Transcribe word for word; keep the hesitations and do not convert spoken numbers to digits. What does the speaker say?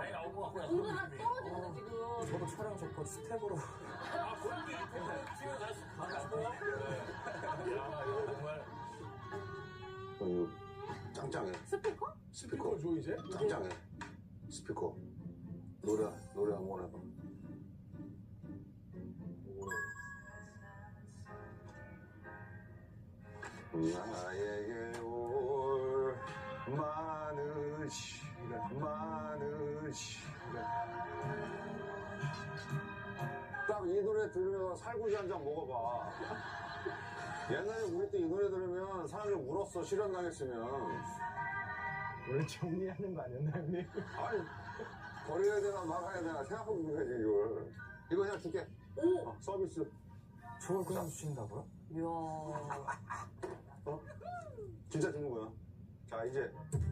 많이 나온 것 같고요. 은근한 떨어지는데 지금. 저도 촬영 좋고 스텝으로. 아, 본인이 지금 다시 가고. 야, 이거 정말. 어, 짱짱해. 스피커? 스피커 줘 이제? 짱짱해. 스피커. 노래 노래 한번 해봐. 나에게 올 많은 시간 많은 시간 딱 이 노래 들으면 살구지 한 잔 먹어봐. 옛날에 우리 때 이 노래 들으면 사람들 울었어. 실현당했으면. 원래 정리하는 거 아니었나 형님? 아니 버려야 되나 말아야 되나 생각해보면 되지 이걸. 이거 그냥 줄게. 오! 어, 서비스. 저걸 그냥 주신다고요? 이야. 어? 진짜 주는 거야. 자 이제